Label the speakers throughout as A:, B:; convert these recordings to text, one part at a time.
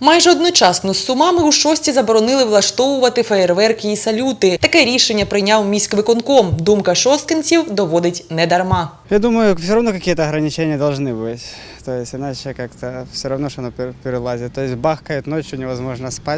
A: Майже одночасно з Сумами у Шості заборонили влаштовувати феєрверки і салюти. Таке рішення прийняв міськвиконком. Думка шосткинців доводить недарма.
B: Я думаю, все равно какие-то ограничения должны быть. То есть иначе как-то все равно, что оно перелазит. То есть бахкает ночью, невозможно спать.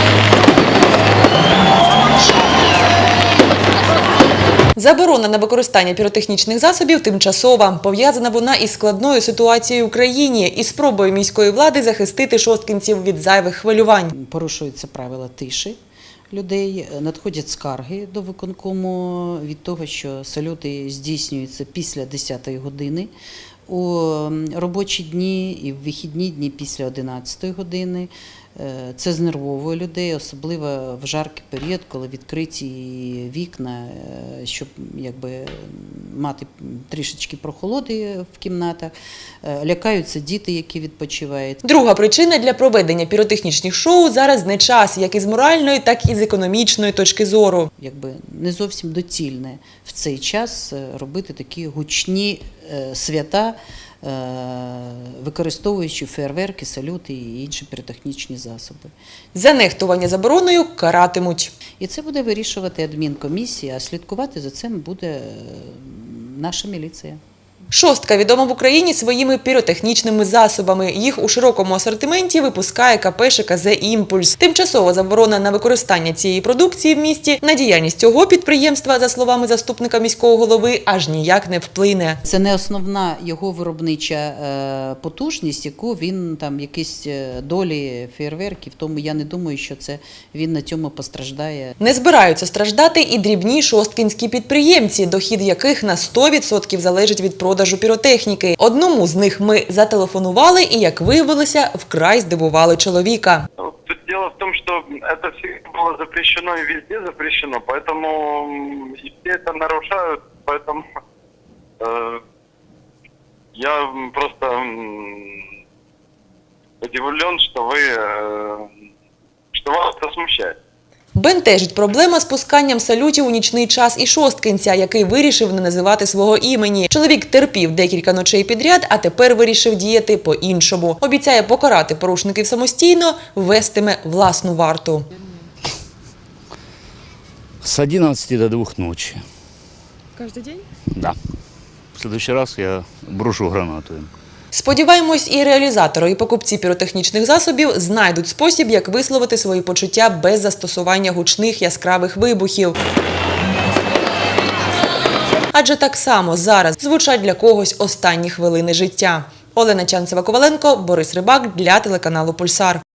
A: Заборона на використання піротехнічних засобів тимчасова. Пов'язана вона із складною ситуацією в країні і спробою міської влади захистити шосткинців від зайвих хвилювань.
C: Порушуються правила тиші людей, надходять скарги до виконкому від того, що салюти здійснюються після 10-ї години, у робочі дні і в вихідні дні після 11-ї години. Це знервовує людей, особливо в жаркий період, коли відкриті вікна, щоб мати трішечки прохолоди в кімнатах. Лякаються діти, які відпочивають.
A: Друга причина для проведення піротехнічних шоу зараз не час, як із моральної, так і з економічної точки зору.
C: Не зовсім доцільне в цей час робити такі гучні свята, використовуючи фейерверки, салюти і інші піротехнічні засоби.
A: За нехтування забороною каратимуть.
C: І це буде вирішувати адмінкомісія, а слідкувати за цим буде наша міліція.
A: Шостка відома в Україні своїми піротехнічними засобами. Їх у широкому асортименті випускає КП ШКЗ «Імпульс». Тимчасова заборона на використання цієї продукції в місті на діяльність цього підприємства, за словами заступника міського голови, аж ніяк не вплине.
C: Це не основна його виробнича потужність, яку він якісь долі фейерверків, тому я не думаю, що він на цьому постраждає.
A: Не збираються страждати і дрібні шосткинські підприємці, дохід яких на 100% залежить від продажу піротехніки. Одному з них ми зателефонували і, як виявилося, вкрай здивували чоловіка.
D: Тут дело в том, что это всегда было запрещено и везде запрещено, поэтому и все это нарушают, поэтому я просто удивлен, что вас это смущает.
A: Бентежить проблема з пусканням салютів у нічний час і шосткинця, який вирішив не називати свого імені. Чоловік терпів декілька ночей підряд, а тепер вирішив діяти по-іншому. Обіцяє покарати порушників самостійно, ввестиме власну варту.
E: С 11 до 2 ночи.
F: Каждый день?
E: Да. В следующий раз я брошу гранату.
A: Сподіваємось, і реалізатори, і покупці піротехнічних засобів знайдуть спосіб, як висловити свої почуття без застосування гучних яскравих вибухів. Адже так само зараз звучать для когось останні хвилини життя. Олена Чанцева-Коваленко, Борис Рибак для телеканалу «Пульсар».